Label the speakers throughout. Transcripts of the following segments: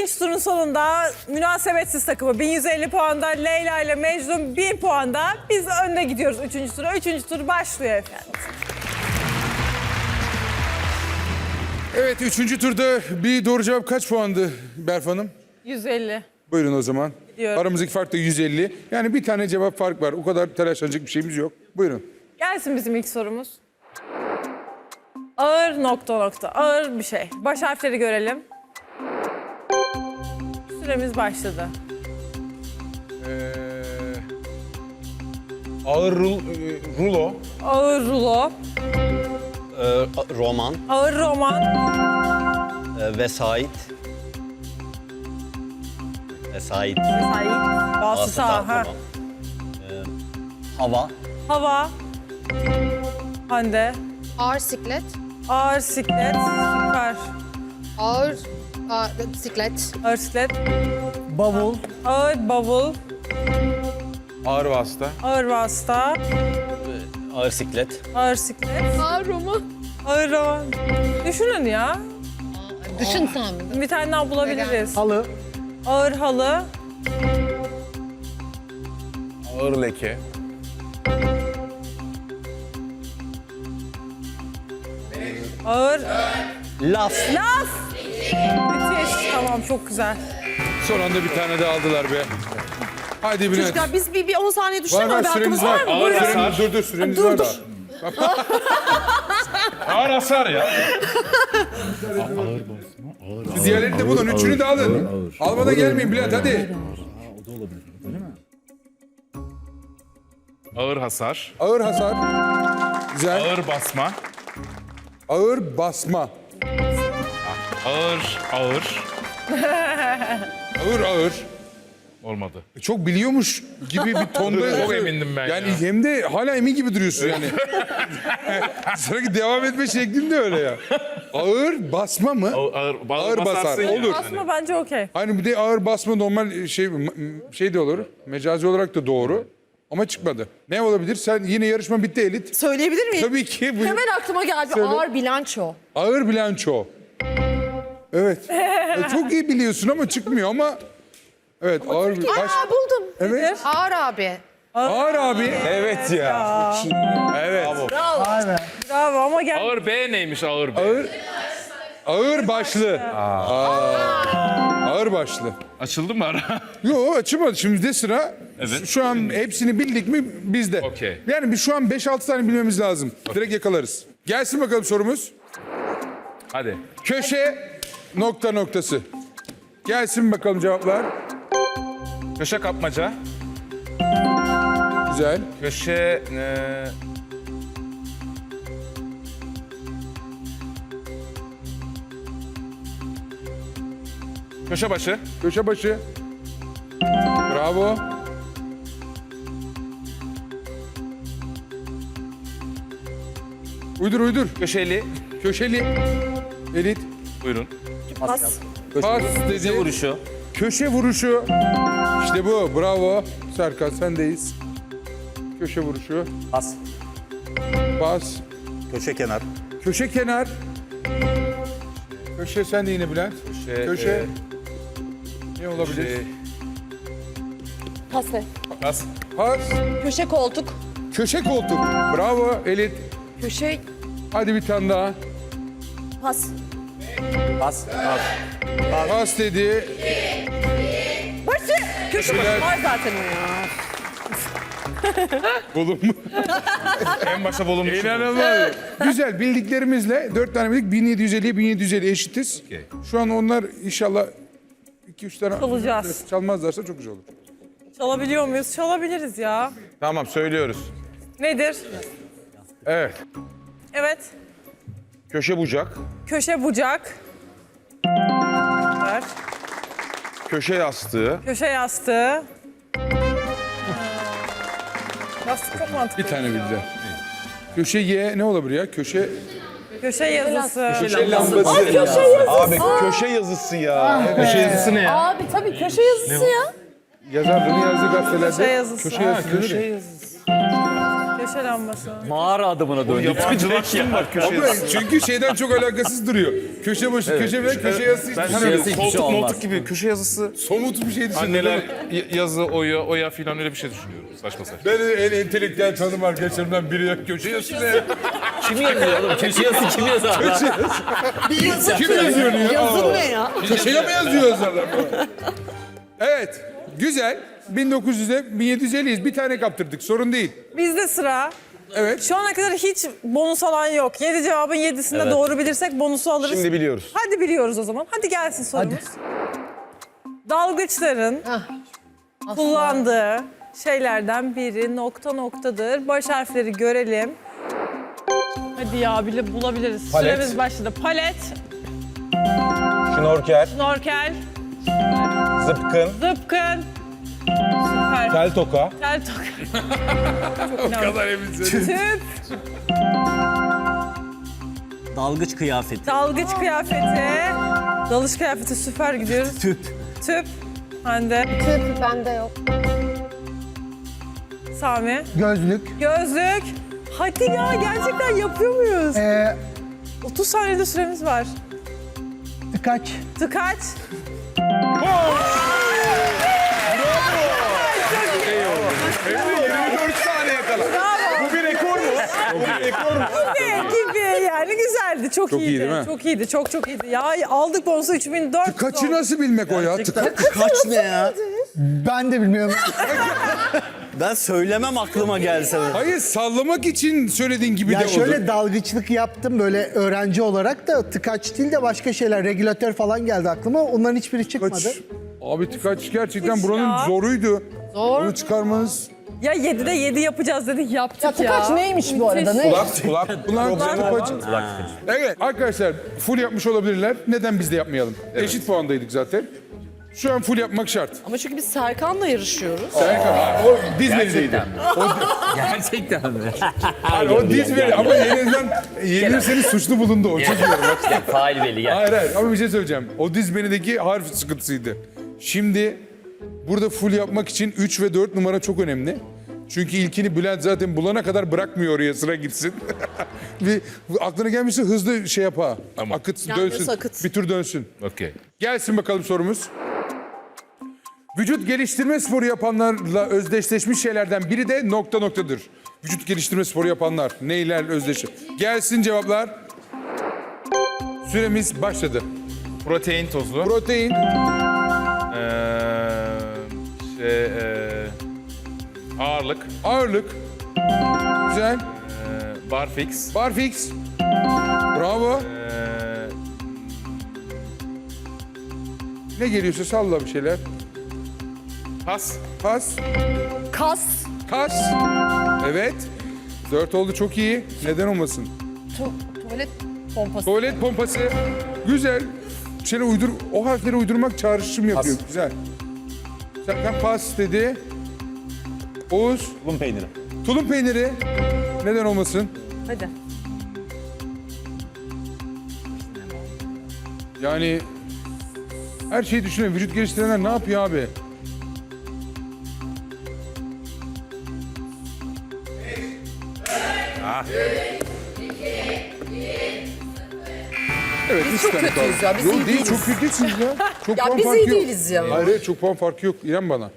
Speaker 1: Üçüncü turun sonunda münasebetsiz takımı 1150 puanda, Leyla ile Mecnun 1000 puanda. Biz önde gidiyoruz üçüncü tura. Üçüncü tur başlıyor efendim.
Speaker 2: Evet, üçüncü turda bir doğru cevap kaç puandı Berf Hanım?
Speaker 1: 150.
Speaker 2: Buyurun o zaman.
Speaker 1: Gidiyorum.
Speaker 2: Aramızdaki fark da 150. Yani bir tane cevap fark var. O kadar telaşlanacak bir şeyimiz yok. Buyurun.
Speaker 1: Gelsin bizim ilk sorumuz. Ağır nokta nokta. Ağır bir şey. Baş harfleri görelim. Süremiz başladı.
Speaker 3: Ağır rulo.
Speaker 1: Ağır rulo.
Speaker 4: Roman,
Speaker 1: Ağır roman.
Speaker 4: vesait. Vesait.
Speaker 1: Sait. Vasıta. Ha.
Speaker 4: tamam. Hava,
Speaker 1: Hava. Hande.
Speaker 5: Ağır siklet.
Speaker 1: Ağır siklet. Süper.
Speaker 5: Ağır siklet.
Speaker 1: Ağır siklet.
Speaker 4: bavul,
Speaker 1: Ağır bavul.
Speaker 3: Ağır vasıta.
Speaker 1: Ağır vasıta.
Speaker 4: ağır siklet.
Speaker 1: Ağır siklet.
Speaker 5: Ağır roman.
Speaker 1: Ağır roman. Düşünün ya.
Speaker 5: Düşün sen.
Speaker 1: Bir tane daha bulabiliriz.
Speaker 4: Halı,
Speaker 1: Ağır halı.
Speaker 3: Ağır leke.
Speaker 1: Ağır
Speaker 4: laf,
Speaker 1: laf. Müthiş. Tamam, çok güzel.
Speaker 2: Son anda bir tane daha aldılar be. Haydi Bülent.
Speaker 6: Çocuklar biz bir 10 saniye
Speaker 2: Var
Speaker 6: düşünelim
Speaker 2: var
Speaker 6: mi?
Speaker 2: süremiz
Speaker 6: Hakkımız
Speaker 2: var.
Speaker 6: var mı?
Speaker 3: Ağır
Speaker 6: Buyurun.
Speaker 3: hasar.
Speaker 2: Dur süremiz
Speaker 6: Dur,
Speaker 2: var
Speaker 6: dur.
Speaker 2: daha.
Speaker 3: Ağır hasar ya.
Speaker 2: Siz diğerlerini de bulun. Üçünü de alın. Almadan gelmeyin Bülent hadi.
Speaker 3: Ağır hasar.
Speaker 2: Ağır hasar. Güzel.
Speaker 3: Ağır basma.
Speaker 2: Ağır basma.
Speaker 3: Ağır.
Speaker 2: Ağır ağır.
Speaker 3: Olmadı.
Speaker 2: Çok biliyormuş gibi bir tonda.
Speaker 3: Çok emindim ben
Speaker 2: Yani
Speaker 3: ya.
Speaker 2: hem de hala emin gibi duruyorsun yani. Sanki devam etme şeklin de öyle ya. Ağır basma mı? Ağır basar.
Speaker 3: basarsın ya.
Speaker 2: Olur.
Speaker 1: Aslında bence okey.
Speaker 2: Hani bir de ağır basma normal şey de olur. Mecazi olarak da doğru. Ama çıkmadı. Ne olabilir? Sen yine yarışma bitti Elit.
Speaker 6: Söyleyebilir miyim?
Speaker 2: Tabii ki. Buyur.
Speaker 6: Hemen aklıma geldi.
Speaker 2: Söyle.
Speaker 6: Ağır bilanço.
Speaker 2: Ağır bilanço. Evet. Çok iyi biliyorsun ama çıkmıyor ama. Evet ağır bir baş.
Speaker 6: Aa buldum.
Speaker 2: Evet.
Speaker 5: Ağır abi.
Speaker 2: Ağır abi.
Speaker 3: Evet ya. Evet.
Speaker 1: Bravo ama gel.
Speaker 3: Ağır B neymiş ağır B?
Speaker 2: Ağır başlı. Ağır başlı.
Speaker 3: Açıldı mı ara?
Speaker 2: Yo açılmadı. Şimdi de sıra.
Speaker 3: Evet.
Speaker 2: Şu an hepsini bildik mi bizde.
Speaker 3: Okey.
Speaker 2: Yani biz şu an 5-6 tane bilmemiz lazım. Direkt yakalarız. Gelsin bakalım sorumuz.
Speaker 3: Hadi.
Speaker 2: Köşe nokta noktası. Gelsin bakalım cevaplar.
Speaker 3: Köşe kapmaca.
Speaker 2: Güzel.
Speaker 3: Köşe... Köşe başı.
Speaker 2: Köşe başı. Bravo. Uydur.
Speaker 3: Köşeli.
Speaker 2: Köşeli. Elit.
Speaker 3: Buyurun.
Speaker 2: Pas dedi.
Speaker 4: köşe vuruşu,
Speaker 2: Köşe vuruşu. İşte bu. Bravo. Serkan sendeyiz. Köşe vuruşu.
Speaker 4: pas,
Speaker 2: Pas.
Speaker 4: köşe kenar,
Speaker 2: Köşe kenar. Köşe sen de yine Bülent. Köşe. Ne olabilir?
Speaker 6: Pas ver.
Speaker 3: Pas.
Speaker 2: Pas.
Speaker 6: Köşe koltuk.
Speaker 2: Köşe koltuk. Bravo Elit.
Speaker 6: Köşe
Speaker 2: Hadi bir tane daha.
Speaker 6: pas.
Speaker 4: pas,
Speaker 2: Pas dedi.
Speaker 6: Başı. Köşe başı var zaten o ya.
Speaker 2: Bulun mu?
Speaker 3: En başta bulunmuş.
Speaker 2: İnanılmaz. Güzel bildiklerimizle 4 tane bildik 1750'ye 1750 eşitiz.
Speaker 3: Okey.
Speaker 2: Şu an onlar inşallah 2-3 tane
Speaker 1: Çalacağız.
Speaker 2: çalmazlarsa çok güzel olur.
Speaker 1: Çalabiliyor muyuz? Çalabiliriz ya.
Speaker 3: Tamam söylüyoruz.
Speaker 1: Nedir?
Speaker 2: Evet.
Speaker 1: Evet.
Speaker 3: Köşe bucak.
Speaker 1: Köşe bucak. Ver.
Speaker 3: Köşe yastığı.
Speaker 1: Köşe yastığı. Yastık çok mantıklı.
Speaker 2: Bir tane bildiler. Köşe Y ne olabilir ya? Köşe
Speaker 1: yazısı.
Speaker 2: köşe lambası.
Speaker 3: Abi köşe yazısı ya. Köşe yazısı ne ya?
Speaker 6: Abi tabii köşe yazısı ya.
Speaker 2: Yazarların yazdığı gazetelerde
Speaker 1: Köşe yazısı.
Speaker 2: Köşe yazısı. denir ya.
Speaker 1: Köşe lambası.
Speaker 4: Mağara adımına döndük.
Speaker 3: Yabancılaştım bak köşe
Speaker 2: Ama
Speaker 3: yazısı.
Speaker 2: çünkü şeyden çok alakasız duruyor. Köşe başı, köşe ve köşe yazısı hiç
Speaker 3: Ben
Speaker 2: düşünmüyorum.
Speaker 4: hiçbir şey
Speaker 3: koltuk
Speaker 4: olmaz.
Speaker 3: moltuk gibi köşe yazısı.
Speaker 2: Somut bir şey düşünüyorum.
Speaker 3: Anneler yazı, oya filan öyle bir şey düşünüyorum. Saçma saçma.
Speaker 2: Ben en entelektüel tanım arkadaşlarımdan biri köşe yazısı ne?
Speaker 4: Kim yazıyor oğlum? Köşe yazısı kim yazar?
Speaker 2: Kim yazıyor ya?
Speaker 6: Yazın ne ya?
Speaker 2: Köşeye mi yazıyor yazarlar? Evet, güzel. 1900'e 1750'yiz. Bir tane kaptırdık, sorun değil.
Speaker 1: Bizde sıra.
Speaker 2: Evet.
Speaker 1: Şu ana kadar hiç bonus alan yok. 7 cevabın 7'sinde doğru bilirsek bonusu alırız.
Speaker 3: Şimdi biliyoruz.
Speaker 1: Hadi biliyoruz o zaman. Hadi gelsin sorumuz. Dalgıçların kullandığı şeylerden biri nokta noktadır. Baş harfleri görelim. Hadi ya bile bulabiliriz.
Speaker 3: Palet.
Speaker 1: Süremiz başladı. Palet,
Speaker 3: Şnorkel,
Speaker 1: snorkel,
Speaker 3: zıpkın,
Speaker 1: zıpkın. Süper.
Speaker 3: tel toka,
Speaker 1: Tel toka.
Speaker 2: O kadar eminsin.
Speaker 1: Tüp,
Speaker 4: Dalgıç kıyafeti.
Speaker 1: dalgıç kıyafeti. Dalış kıyafeti süper gidiyoruz.
Speaker 4: Tüp.
Speaker 1: Tüp. Hande,
Speaker 5: Tüp bende yok.
Speaker 1: Sami.
Speaker 7: Gözlük.
Speaker 1: Gözlük. Hadi ya gerçekten yapıyor muyuz? 30 saniyede süremiz var.
Speaker 7: Tıkaç.
Speaker 1: Tıkaç.
Speaker 3: 24 saniye kala. Bu bir rekor mu? Bu bir rekor mu?
Speaker 1: Gibi yani güzeldi. Çok iyiydi.
Speaker 2: iyi değil mi?
Speaker 1: Çok iyiydi. Çok iyiydi. Ya aldık bonusu 3400.
Speaker 2: Kaçı nasıl bilmek o ya?
Speaker 4: Kaç ne ya?
Speaker 7: Ben de bilmiyorum.
Speaker 4: Ben söylemem aklıma gelse.
Speaker 2: Hayır, sallamak için söylediğin gibi
Speaker 7: Ya
Speaker 2: de
Speaker 7: şöyle
Speaker 2: oldu.
Speaker 7: dalgıçlık yaptım böyle öğrenci olarak da tıkaç değil de başka şeyler. Regülatör falan geldi aklıma. Onların hiçbiri çıkmadı.
Speaker 2: Kaç. Abi tıkaç gerçekten
Speaker 1: Hiç
Speaker 2: buranın
Speaker 1: ya.
Speaker 2: zoruydu.
Speaker 5: Zor.
Speaker 2: Onu çıkarmanız...
Speaker 1: Ya 7'de 7 yapacağız dedik yaptık ya.
Speaker 6: Tıkaç neymiş bu arada? Ne?
Speaker 2: Ulan tıkaç. Evet arkadaşlar full yapmış olabilirler. Neden biz de yapmayalım? Eşit puandaydık zaten. Şu an full yapmak şart.
Speaker 6: Ama çünkü biz Serkan'la yarışıyoruz.
Speaker 2: Serkan, o dizmerideydi.
Speaker 4: Gerçekten mi?
Speaker 2: Hayır, o dizmeri ama yenilirseniz suçlu bulundu o. Çok iyi. Bak.
Speaker 4: Fail belli gel.
Speaker 2: Hayır ama bir şey söyleyeceğim. O dizmenideki harf sıkıntısıydı. Şimdi burada full yapmak için 3 ve 4 numara çok önemli. Çünkü ilkini Bülent zaten bulana kadar bırakmıyor oraya, sıra gitsin. Bir aklına gelmişse hızlı şey yap ha. Akıt, dönsün.
Speaker 6: akıt.
Speaker 2: Bir tur dönsün.
Speaker 3: Okey.
Speaker 2: Gelsin bakalım sorumuz. Vücut geliştirme sporu yapanlarla özdeşleşmiş şeylerden biri de nokta noktadır. Vücut geliştirme sporu yapanlar neyler özdeşir? Gelsin cevaplar. Süremiz başladı.
Speaker 3: Protein tozu.
Speaker 2: Protein,
Speaker 3: Ağırlık.
Speaker 2: ağırlık, güzel,
Speaker 3: Barfix.
Speaker 2: barfix, bravo. Ne geliyorsa salla bir şeyler.
Speaker 3: Pas.
Speaker 2: Pas,
Speaker 6: Kas.
Speaker 2: kas. Evet. 4 oldu, çok iyi. Neden olmasın?
Speaker 6: Tuvalet pompası.
Speaker 2: Tuvalet pompası. Güzel. Bir şeyler o harfleri uydurmak çağrışım yapıyor. Güzel. Serkan pas dedi. Oğuz,
Speaker 4: Tulum peyniri.
Speaker 2: tulum peyniri. Neden olmasın?
Speaker 1: Hadi.
Speaker 2: Yani her şeyi düşünüyor. Vücut geliştirenler ne yapıyor abi? Evet,
Speaker 6: Biz çok kötüyüz ya, biz
Speaker 2: Yok
Speaker 6: iyi
Speaker 2: değil,
Speaker 6: değiliz.
Speaker 2: çok kötüsünüz ya. Çok
Speaker 6: Ya
Speaker 2: puan
Speaker 6: biz
Speaker 2: farkı
Speaker 6: iyi
Speaker 2: yok.
Speaker 6: değiliz ya.
Speaker 2: Hayır, hayır, çok puan farkı yok. İrem bana.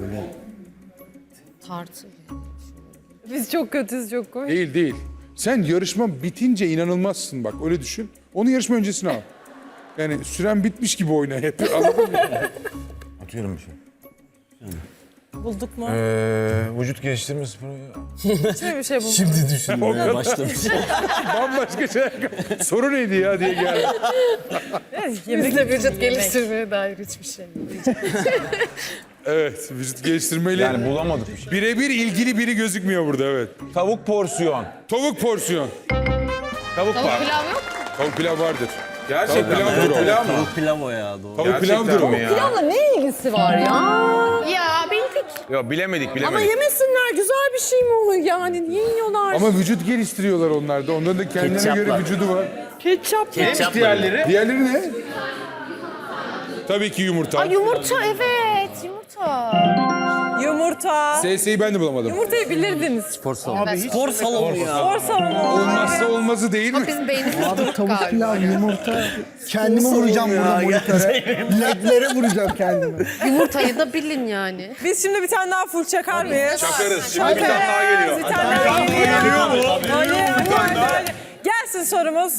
Speaker 5: Tartı.
Speaker 1: Biz çok kötüyüz, çok komik.
Speaker 2: Değil, değil. Sen yarışma bitince inanılmazsın bak, öyle düşün. Onu yarışma öncesine al. Yani süren bitmiş gibi oyna hep, anladın mı?
Speaker 3: Atıyorum bir şey.
Speaker 1: Bulduk mu?
Speaker 3: Vücut geliştirme sporu.
Speaker 1: Hiçbir bir şey bulduk.
Speaker 4: Düşünmeye başlamış.
Speaker 2: Bambaşka şey. Soru neydi ya diye geldi.
Speaker 6: Bizde vücut geliştirmeye dair hiçbir şey yok.
Speaker 2: Evet, vücut geliştirmeyle
Speaker 3: Yani bulamadık bir şey.
Speaker 2: birebir ilgili biri gözükmüyor burada, evet.
Speaker 3: Tavuk porsiyon.
Speaker 2: Tavuk porsiyon.
Speaker 3: Tavuk
Speaker 5: Tavuk
Speaker 3: var.
Speaker 5: pilav yok.
Speaker 2: Tavuk pilav vardır.
Speaker 3: Gerçekten
Speaker 2: Tavuk
Speaker 3: mi?
Speaker 2: pilavdır o.
Speaker 3: Pilav mı?
Speaker 4: Tavuk pilav o ya doğru.
Speaker 2: Tavuk pilavdır o.
Speaker 3: mi ya?
Speaker 6: Pilavla ne ilgisi var ya?
Speaker 5: Ya bildik.
Speaker 3: Yok bilemedik.
Speaker 6: Ama yemesinler, güzel bir şey mi o yani? Niye yiyorlar?
Speaker 2: Ama vücut geliştiriyorlar onlar da. Onların da kendine
Speaker 4: Ketçap
Speaker 2: göre
Speaker 4: var.
Speaker 2: vücudu var.
Speaker 6: Ketçap.
Speaker 4: Ketçap
Speaker 3: Diğerleri?
Speaker 2: Diğerleri ne? Tabii ki yumurta.
Speaker 6: Yumurta, evet, yumurta.
Speaker 1: Yumurta.
Speaker 2: SS'yi ben de bulamadım.
Speaker 1: Yumurtayı bilirdiniz.
Speaker 4: Spor salonu. Spor salonu ya.
Speaker 1: Spor salonu.
Speaker 2: Olmazsa olmazı değil mi?
Speaker 5: Bizim beynimiz
Speaker 7: Abi
Speaker 5: duruk
Speaker 7: tavuk
Speaker 5: galiba.
Speaker 7: pilav, yumurta. Kendimi vuracağım burada monitöre. Ledlere vuracağım kendimi.
Speaker 5: Yumurtayı da bilin yani.
Speaker 1: Biz şimdi bir tane daha full çakar mıyız?
Speaker 3: Çakarız. Şimdi bir tane daha geliyor.
Speaker 1: Bir tane daha geliyor. Hadi. Gelsin sorumuz.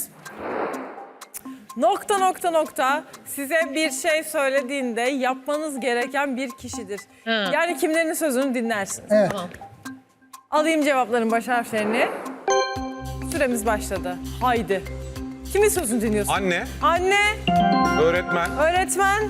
Speaker 1: Nokta size bir şey söylediğinde yapmanız gereken bir kişidir. Yani kimlerin sözünü dinlersiniz.
Speaker 7: Evet.
Speaker 1: Alayım cevapların baş harflerini. Süremiz başladı. Haydi. Kimin sözünü dinliyorsun?
Speaker 3: Anne,
Speaker 1: Anne,
Speaker 3: öğretmen,
Speaker 1: öğretmen,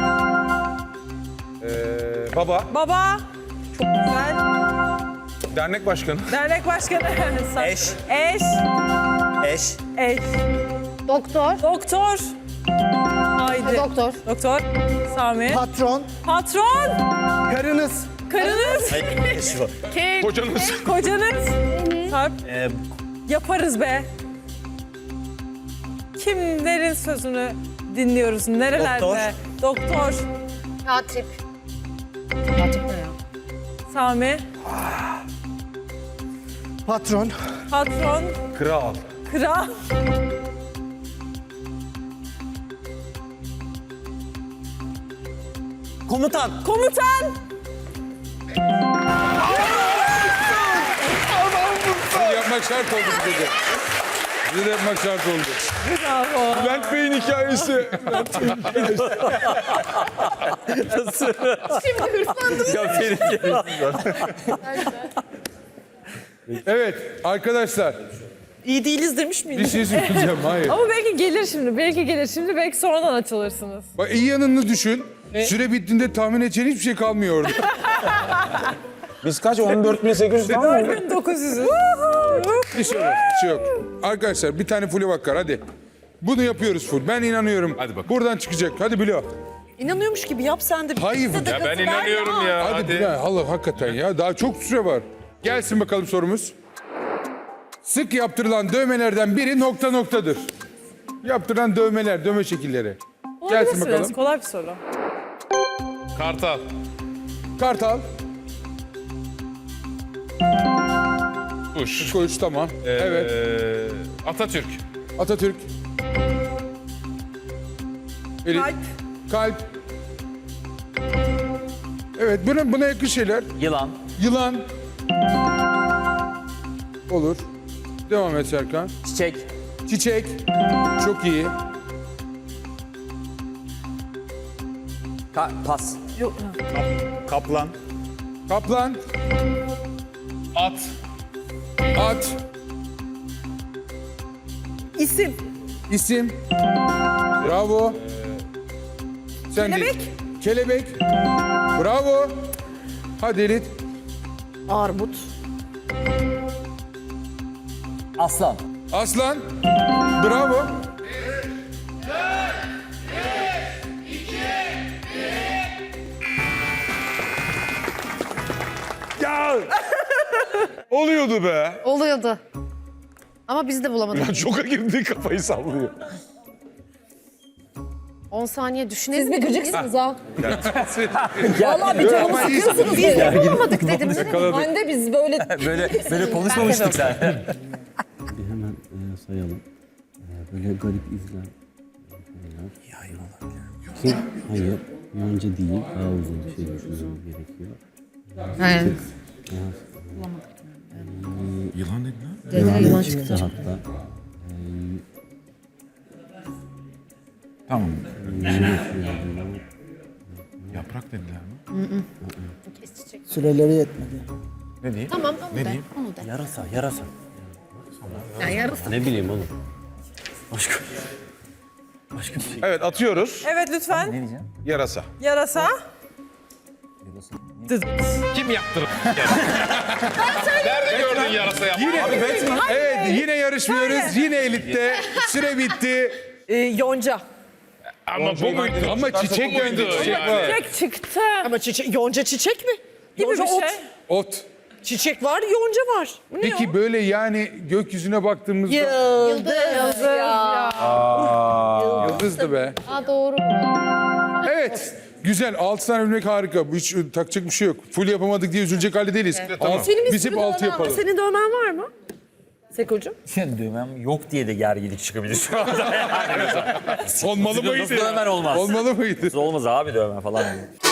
Speaker 3: baba,
Speaker 1: baba. Çok güzel.
Speaker 3: dernek başkanı,
Speaker 1: Dernek başkanı.
Speaker 4: Eş.
Speaker 1: Eş.
Speaker 4: Eş.
Speaker 1: Eş.
Speaker 5: Doktor.
Speaker 1: Doktor. Haydi.
Speaker 5: Doktor.
Speaker 1: Doktor. Sami.
Speaker 7: Patron,
Speaker 1: Patron.
Speaker 7: karınız,
Speaker 1: Karınız.
Speaker 4: Şu.
Speaker 3: kocanız,
Speaker 1: Kocanız. Sarp. Yaparız be. Kimlerin sözünü dinliyoruz? Nerelerde? Doktor.
Speaker 5: Katip. Katip ne ya?
Speaker 1: Sami.
Speaker 7: patron,
Speaker 1: Patron.
Speaker 3: kral,
Speaker 1: Kral.
Speaker 4: Komutan.
Speaker 1: Komutan.
Speaker 2: Bunu yapmak şart oldu bize de. Bize de yapmak şart oldu.
Speaker 1: Bravo.
Speaker 3: Bülent Bey'in hikayesi.
Speaker 2: Evet arkadaşlar
Speaker 1: İyi değiliz demiş
Speaker 2: bir
Speaker 1: miydin?
Speaker 2: şey söyleyeceğim. Hayır.
Speaker 1: Ama belki gelir şimdi. Belki gelir şimdi. Belki sonradan açılırsınız.
Speaker 2: Bak iyi yanını düşün. Süre bittiğinde tahmin edeceğin hiçbir şey kalmıyor orada.
Speaker 3: Biz kaç? 14.800 falan mı?
Speaker 1: 900'ü.
Speaker 2: Bir şey yok. Bir şey yok. Arkadaşlar bir tane full bakar hadi. Bunu yapıyoruz full. Ben inanıyorum.
Speaker 3: Hadi bakalım.
Speaker 2: Buradan çıkacak. Hadi Bilo.
Speaker 1: İnanıyormuş gibi yap sen de.
Speaker 2: Hayır.
Speaker 3: Ya ben inanıyorum ya.
Speaker 2: Hadi Bilo. Allah hakikaten ya. Daha çok süre var. Gelsin bakalım sorumuz. Sık yaptırılan dövmelerden biri noktadır. Yaptırılan dövmeler, dövme şekilleri. Gelsin bakalım.
Speaker 1: Kolay bir soru.
Speaker 3: Kartal,
Speaker 2: Kartal.
Speaker 3: kuş,
Speaker 2: Koç tamam. Evet.
Speaker 3: Atatürk,
Speaker 2: Atatürk. Elif.
Speaker 1: Kalp.
Speaker 2: Kalp. Evet buna yakın şeyler.
Speaker 4: Yılan.
Speaker 2: Yılan. Olur. Devam et Serkan.
Speaker 4: Çiçek.
Speaker 2: Çiçek. Çok iyi.
Speaker 4: Pas.
Speaker 3: kaplan,
Speaker 2: Kaplan.
Speaker 3: at,
Speaker 2: At.
Speaker 1: İsim.
Speaker 2: İsim. Bravo. Sen
Speaker 1: Kelebek.
Speaker 2: değil. Kelebek. Bravo. Hadi Elit.
Speaker 1: Armut.
Speaker 4: Aslan.
Speaker 2: Aslan. Bravo.
Speaker 3: ya! Oluyordu be.
Speaker 5: Oluyordu. Ama biz de bulamadık.
Speaker 3: Şoka girdi, kafayı sallıyor.
Speaker 5: 10 saniye düşünelim.
Speaker 6: Siz bir gıcıksınız ha.
Speaker 1: Vallahi bir canımı sıkıyorsunuz.
Speaker 5: Biz de bulamadık dedim.
Speaker 6: Hande biz böyle
Speaker 4: Böyle konuşmamıştık zaten.
Speaker 8: Bir hemen sayalım. Böyle garip izler. Kim? Hayır. Yonca değil. Daha uzun bir şey düşünmemiz gerekiyor.
Speaker 5: Aynen.
Speaker 3: Yılan dedin ha?
Speaker 5: Dediler yılan
Speaker 8: Çıktı
Speaker 5: çıktı.
Speaker 8: hatta.
Speaker 3: Tamam. Yaprak dediler mi?
Speaker 7: süreleri yetmedi.
Speaker 3: Ne diyeyim?
Speaker 5: Tamam onu
Speaker 3: Ne
Speaker 5: de.
Speaker 3: diyeyim?
Speaker 5: Onu de.
Speaker 4: Yarasa.
Speaker 5: Yani yarısı.
Speaker 8: Ne bileyim oğlum.
Speaker 4: Başka bir şey.
Speaker 3: Evet, atıyoruz.
Speaker 1: Evet lütfen.
Speaker 3: Yarasa.
Speaker 1: Yarasa.
Speaker 3: Kim yaptırır? Nerede gördün yarasa yaptığını?
Speaker 2: Evet yine yarışmıyoruz. Yine Elit'te. Süre bitti.
Speaker 6: yonca.
Speaker 3: Ama bu muydu?
Speaker 2: Ama çiçek
Speaker 3: buydu
Speaker 2: muydu? Çiçek
Speaker 3: yani.
Speaker 2: var.
Speaker 1: Çiçek çıktı.
Speaker 6: Ama çiçek, yonca çiçek mi?
Speaker 1: Gibi
Speaker 6: Yonca
Speaker 1: bir
Speaker 6: ot.
Speaker 1: şey.
Speaker 2: Ot.
Speaker 6: Çiçek var, yonca var. Bu ne
Speaker 2: Peki böyle yani gökyüzüne baktığımızda
Speaker 6: Yıldız.
Speaker 1: Ya.
Speaker 2: yıldızdı be.
Speaker 5: Aa doğru.
Speaker 2: Evet. Güzel. 6 tane bilmek harika. Bu hiç takacak bir şey yok. Full yapamadık diye üzülecek halde değiliz.
Speaker 6: Senin bir
Speaker 2: Biz
Speaker 6: sürü
Speaker 2: hep 6
Speaker 6: dövmen var.
Speaker 2: yapalım.
Speaker 6: Senin dövmen var mı? Sekocuğum.
Speaker 4: Dövmem yok diye de gerginlik çıkabilir şu anda.
Speaker 2: Olmalı mıydı?
Speaker 4: Nasıl dövmen olmaz?
Speaker 2: Olmalı mıydı?
Speaker 4: Olmaz abi dövme falan diye.